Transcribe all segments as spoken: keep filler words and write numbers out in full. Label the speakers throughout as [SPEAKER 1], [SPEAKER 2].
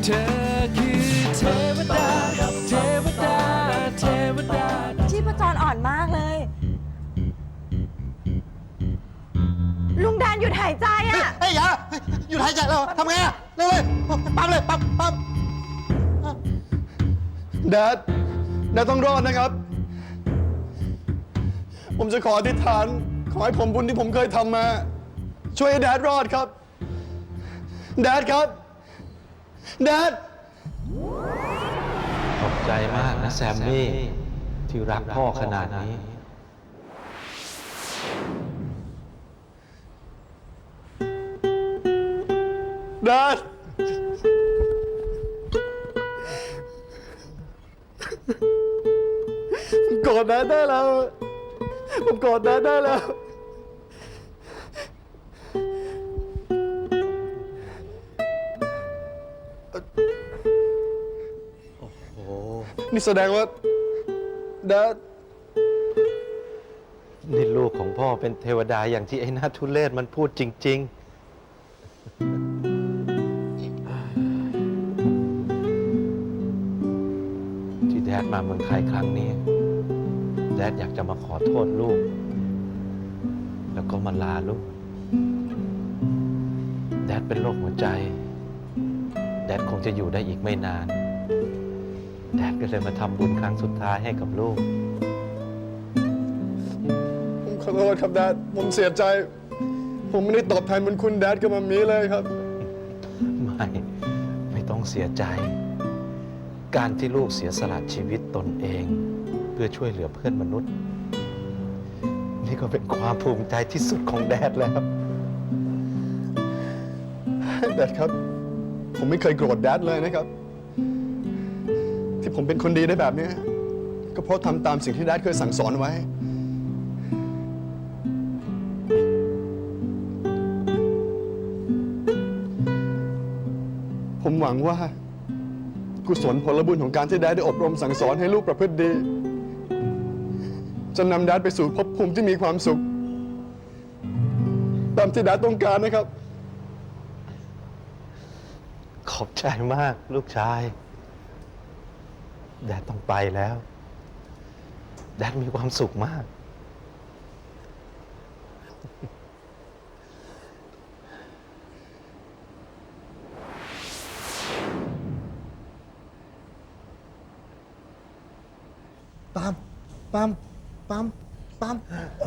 [SPEAKER 1] เธอคือเทวดาเทวดาเทวดา
[SPEAKER 2] ชีพจรอ่อนมากเลยลุงแดนหยุดหายใจอ่ะ
[SPEAKER 3] เฮ้ยอย่าหยุดหายใจแล้วทำไงอ่ะเร็วเลยปั๊มเลยปั๊มปั๊มแดดแดดต้องรอดนะครับผมจะขออธิษฐานขอให้ผมบุญที่ผมเคยทำมาช่วยให้แดดรอดครับแดดครับแดด
[SPEAKER 4] ขอบใจมากนะแซมมี่ที่รักพ่อขนาดนี้
[SPEAKER 3] แดดผมกอดแดดได้แล้วผมกอดแดดได้แล้ว
[SPEAKER 4] โอ้โห
[SPEAKER 3] นี่แสดงว่าแดด
[SPEAKER 4] นี่ลูกของพ่อเป็นเทวดาอย่างที่ไอ้หน้าทุเรศมันพูดจริงๆที่แดดมาเมืองไทยครั้งนี้แดดอยากจะมาขอโทษลูกแล้วก็มาลาลูกแดดเป็นโรคหัวใจแดดคงจะอยู่ได้อีกไม่นานแดดก็เลยมาทำบุญครั้งสุดท้ายให้กับลูก
[SPEAKER 3] ผมขอโทษครับแดดผมเสียใจผมไม่ได้ตอบแทนบุญคุณแดดกับมัมมี่เลยครับ
[SPEAKER 4] ไม่ไม่ต้องเสียใจการที่ลูกเสียสละชีวิตตนเองเพื่อช่วยเหลือเพื่อนมนุษย์นี่ก็เป็นความภูมิใจที่สุดของแดดแล้ว
[SPEAKER 3] แดดครับผมไม่เคยโกรธแดดเลยนะครับที่ผมเป็นคนดีได้แบบนี้ก็เพราะทำตามสิ่งที่แดดเคยสั่งสอนไว้ผมหวังว่ากุศลผลบุญของการที่แดดได้อบรมสั่งสอนให้ลูกประพฤติดีจะนำแดดไปสู่ภพภูมิที่มีความสุขตามที่แดดต้องการนะครับ
[SPEAKER 4] ขอบใจมากลูกชายแดดต้องไปแล้วแดดมีความสุขมาก
[SPEAKER 3] ปั๊มปั๊มปั๊มปั๊ม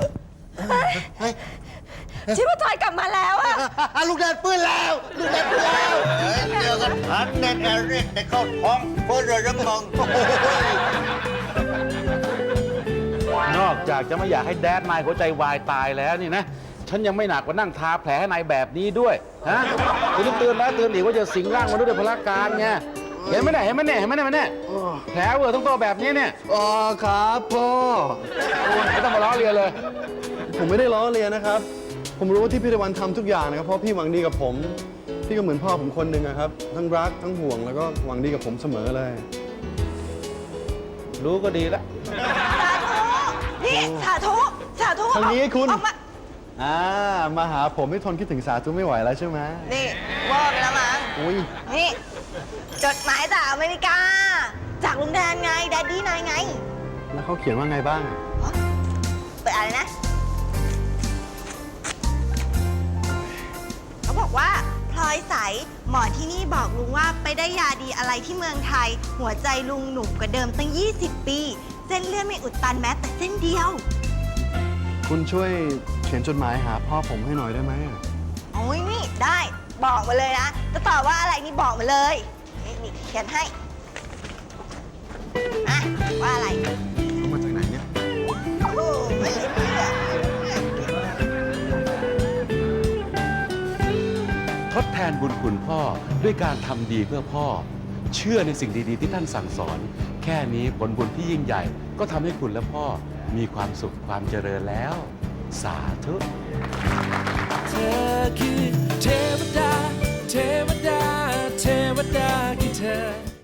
[SPEAKER 2] ชีพจรกลับมาแล้วอะ
[SPEAKER 3] ลูกแดดฟื้นแล้วลูกแดดฟื้นแล้ว
[SPEAKER 5] เจอกันพันเน็ตแอริกในเข้าท้องเพื่อระมอง
[SPEAKER 6] นอกจากจะไม่อยากให้แดดนายหัวใจวายตายแล้วนี่นะฉันยังไม่หนักกว่านั่งทาแผลให้นายแบบนี้ด้วยฮะคุณต้องเตือนแล้วเตือนอีกว่าจะสิงร่างมนุษย์ด้วยพละการไงเห็นไหมเนี่ยเห็นไหมเนี่ยเห็นไหมเนี่ยเห็นไหมเนี่ยแผลเวอร์ทั้งตัวแบบนี้เนี่ย
[SPEAKER 3] อ๋อครับพ่อ
[SPEAKER 6] ไม่ต้องมาล้อเลียนเลย
[SPEAKER 3] ผมไม่ได้ล้อเลียนนะครับผมรู้ว่าที่พี่ตะวันทำทุกอย่างนะครับเพราะพี่หวังดีกับผมพี่ก็เหมือนพ่อผมคนหนึ่งนะครับทั้งรักทั้งห่วงแล้วก็หวังดีกับผมเสมอเลย
[SPEAKER 6] รู้ก็ดีละ
[SPEAKER 2] นี่สาธุสาธุ
[SPEAKER 3] ทางนี้คุณ
[SPEAKER 2] ออกมา
[SPEAKER 3] อ่ามาหาผมไม่ทนคิดถึงสาธุไม่ไหวแล้วใช่ไหม
[SPEAKER 2] นี่ว่าไปแล้วมั้ง
[SPEAKER 3] อุ้ย
[SPEAKER 2] นี่จดหมายจากอเมริกาจากลุงแดนไงแดดดี้นายไง
[SPEAKER 3] แล้วเขาเขียนว่าไงบ้าง
[SPEAKER 2] เปิดอะไรนะเขาบอกว่าพลอยใสหมอที่นี่บอกลุงว่าไปได้ยาดีอะไรที่เมืองไทยหัวใจลุงหนุ่มกว่าเดิมตั้งยี่สิบปีเส้นเลือดไม่อุดตันแม้แต่เส้นเดียว
[SPEAKER 3] คุณช่วยเขียนจดหมายหาพ่อผมให้หน่อยได้ไหม
[SPEAKER 2] โอ้ยนี่ได้บอกมาเลยนะจะตอบว่าอะไรนี่บอกมาเลยนี่เขียนให้อะว่าอะไร
[SPEAKER 3] เขามาจากไหนเนี่ย
[SPEAKER 2] โอ้ไม่เชื่อ
[SPEAKER 7] ทดแทนบุญคุณพ่อด้วยการทำดีเพื่อพ่อเชื่อในสิ่งดีๆที่ท่านสั่งสอนแค่นี้ผลบุญที่ยิ่งใหญ่ก็ทำให้คุณและพ่อมีความสุขความเจริญแล้วสาธุ
[SPEAKER 1] เธอคือเทวดาเทวดาเทวดาคือเธอ